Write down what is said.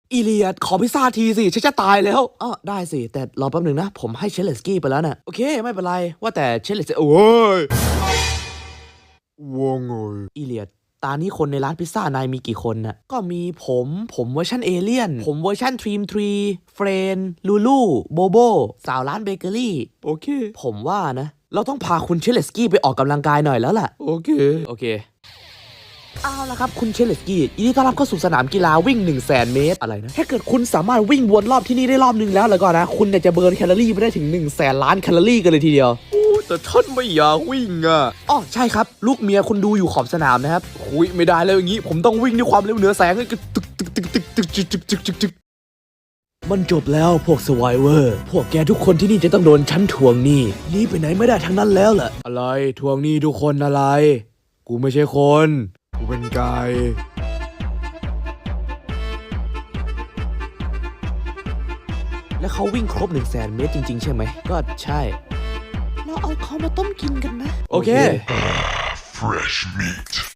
อีเลียดขอพิซซ่าทีสิฉันจะตายแล้วอ๋อได้สิแต่รอแป๊บหนึ่งนะผมให้เชลเลสกี้ไปแล้วน่ะโอเคไม่เป็นไรว่าแต่เชลเลสโอ้ยว่าไงอีเลียดตานี้คนในร้านพิซซ่านายมีกี่คนน่ะก็มีผมเวอร์ชันเอเลี่ยนผมเวอร์ชันทรีมทรีเฟรนลูลูโบโบสาวร้านเบเกอรี่โอเคผมว่านะเราต้องพาคุณเชลเลสกี้ไปออกกำลังกายหน่อยแล้วล่ะโอเคเอาละครับคุณเชลเลสกี้ยินดีต้อนรับเข้าสู่สนามกีฬาวิ่ง 100,000 เมตรอะไรนะถ้าเกิดคุณสามารถวิ่งวนรอบที่นี่ได้รอบนึงแล้วก็นะคุณเนี่ยจะเบิร์นแคลอรี่ไปได้ถึง 100,000 ล้านแคลอรี่กันเลยทีเดียวแต่ท่านไม่อยากวิ่งอ่ะอ๋อใช่ครับลูกเมียคุณดูอยู่ขอบสนามนะครับคุยไม่ได้แล้วอย่างนี้ผมต้องวิ่งด้วยความเร็วเหนือแสงเลยตึกมันจบแล้วพวกสไวเวอร์พวกแกทุกคนที่นี่จะต้องโดนฉันทวงหนี้หนีไปไหนไม่ได้ทั้งนั้นแล้วแหละอะไรทวงหนี้ทุกคนอะไรกูไม่ใช่คนกูเป็นไก่แล้วเขาวิ่งครบ 100,000 เมตรจริงๆใช่ไหมก็ใช่เราเอาเขามาต้มกินกันนะโอเค Fresh meat.